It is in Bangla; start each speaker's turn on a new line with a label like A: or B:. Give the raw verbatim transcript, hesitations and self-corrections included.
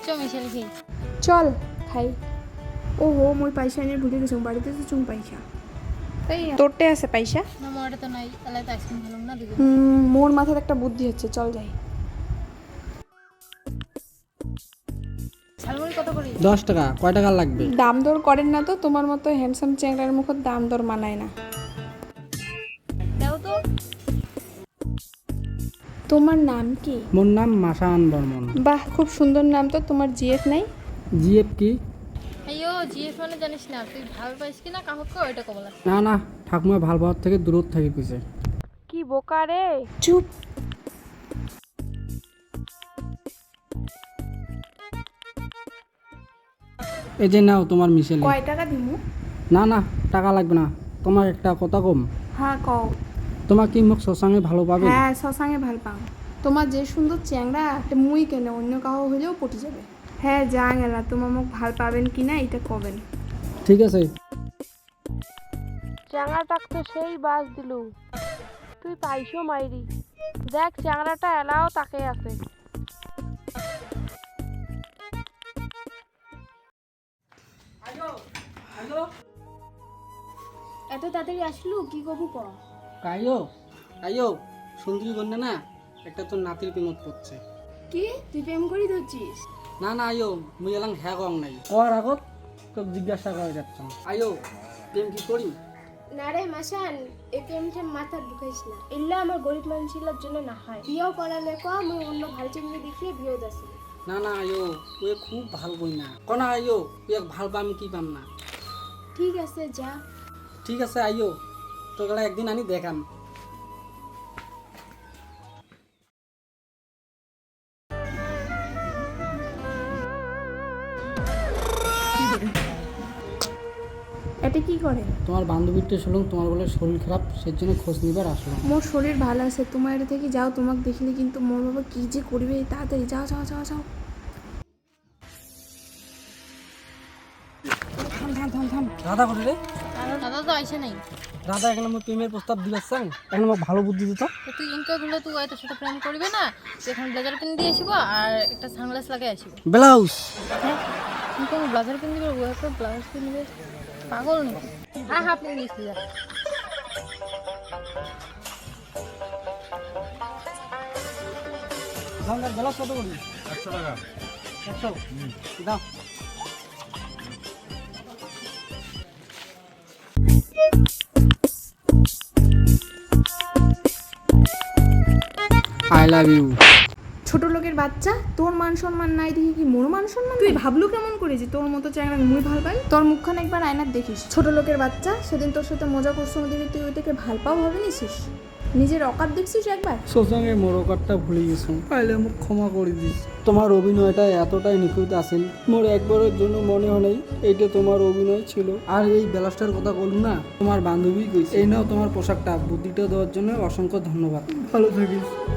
A: চো মিশাল খাই
B: চল খাই। ও হো মই পয়সা নিয়ে ভুলে গেছি বাড়িতে তো চুম পয়সা তাই তোরটে আছে পয়সা
A: না মোটা তো নাই তাহলে তো আইসক্রিম ভালো না দিবে
B: হুম মোর মাথায় একটা বুদ্ধি হচ্ছে চল যাই।
A: ঝালমুড়ি কত করে
C: দশ টাকা। কয় টাকা লাগবে?
B: দাম দর করেন না তো, তোমার মতো হ্যান্ডসাম চ্যাংড়ার মুখত দাম দর মানায় না।
A: দাও তো
B: তোমার নাম কি?
C: মোর নাম মাসান বর্মন।
B: বাহ খুব সুন্দর নাম তো। তোমার জিএফ নাই?
C: জিএফ কি?
A: আইও জিএফ মানে জানিস না তুই ভাল পাইস কি না কাহক ওইটা কবলা
C: না না, ঠাকুমা ভাল পাওয়ার থেকে দূরত থাকি কইছে।
B: কি বোকা রে। চুপ।
C: এই যে নাও তোমার মিশেল।
B: কয় টাকা দিমু?
C: না না, টাকা লাগবে না। তোমার একটা কথা কম।
B: হ্যাঁ কও।
C: তোমার কি মুখ শশাঙ্গে ভালো পাবে?
B: হ্যাঁ শশাঙ্গে ভাল পাও। তোমার যে সুন্দর চ্যাংড়া একটা মুই কেন অন্য কাহো হইলেও পটি যাবে। হ্যাঁ যা গেলা তোমার মুখ ভাল পাবেন কি না এটা কবেন।
C: ঠিক আছে।
D: চ্যাংড়াটাক তো সেই বাস দিলু, তুই পাইছো মাইরি। দেখ চ্যাংড়াটা এলাও তাকে আছে।
B: এত তাড়াতাড়ি আসলু কি কবু ক?
C: কাইও কাইও সুন্দরী কন্যা না, একটা তোর নাতির প্রেমত পড়ছে।
B: কি তুই প্রেম করি ধরছিস?
C: না না আইও, মুই এলাম হ্যাঁ কম নাই। কর আগত তোকে জিজ্ঞাসা করে যাচ্ছ। আইও প্রেম কি করি?
E: না রে মাসান, এই প্রেমটা মাথা ঢুকাইস না। এল্লা আমার গরিব মানুষের জন্য না হয়। বিয়েও করালে ক আমি অন্য ভালো চিংড়ি দেখিয়ে বিয়েও দাসি।
C: না না আইও, তুই খুব ভাল কই না কনা। আইও তুই ভাল পাম কি পাম না।
E: ঠিক আছে যা।
C: ঠিক আছে আইও, তোকে একদিন আনি দেখাম।
B: এটা কি করে?
C: তোমার বান্ধবীটা শুনলাম তোমার বলে শরীর খারাপ, সেই জন্য খোঁজ নিবার আসলাম।
B: মোর শরীর ভালো আছে, তোমার এটা থেকে যাও। তোমাকে দেখলে কিন্তু মোর বাবা কি যে করবে। তাড়াতাড়ি যাও যাও যাও যাও। থাম থাম থাম থাম।
C: রাধা করে রে?
A: দাদা তো আইসে নাই
C: রাধা এখন আমার প্রেমের প্রস্তাব দিবার চাং, এখন আমার ভালো বুদ্ধি দিত।
A: তো তুই ইনকা গুলো তুই তোর সাথে প্রেম করবি না, তুই এখন ব্লেজার পিন দিয়ে আসিব আর একটা সানগ্লাস লাগাই আসিব।
C: ব্লাউজ
A: হ্যাঁ তুই কোনো ব্লেজার পিন দিবে ও একটা ব্লাউজ পিন দিবে, পাগল নাকি? হ্যাঁ হ্যাঁ পিন দিয়েছি যা।
C: ব্লাউজ কত করি?
F: একশো টাকা।
C: একশো দাও। I love you.
B: ছোট লোকের বাচ্চা, তোর মান সম্মান নাই দেখি কি মোর মান সম্মান? তুই ভাবলু কেমন করে যে তোর মতো চ্যাংড়া মুই ভাল পাই? তোর মুখখান একবার আয়নার দেখিস। ছোট লোকের বাচ্চা, সেদিন তোর সাথে মজা করছো দেখে তুই ওইটাকে ভাল পাও ভাবে নিছিস? নিজের অকাত দেখছিস একবার?
C: সোসাঙ্গে মোরকারটা ভুলে গেছো, পাইলে মোক ক্ষমা করে দিস। তোমার অভিনয়টা এতটাই নিখুঁত আছিল, মোর একবারের জন্য মনে হয় নাই এইটা তোমার অভিনয় ছিল। আর এই ব্লাউজটার কথা বলুন না, তোমার বান্ধবী কইছে। এই নাও তোমার পোশাকটা, বুদ্ধিটা দেওয়ার জন্য অসংখ্য ধন্যবাদ। ভালো থাকিস।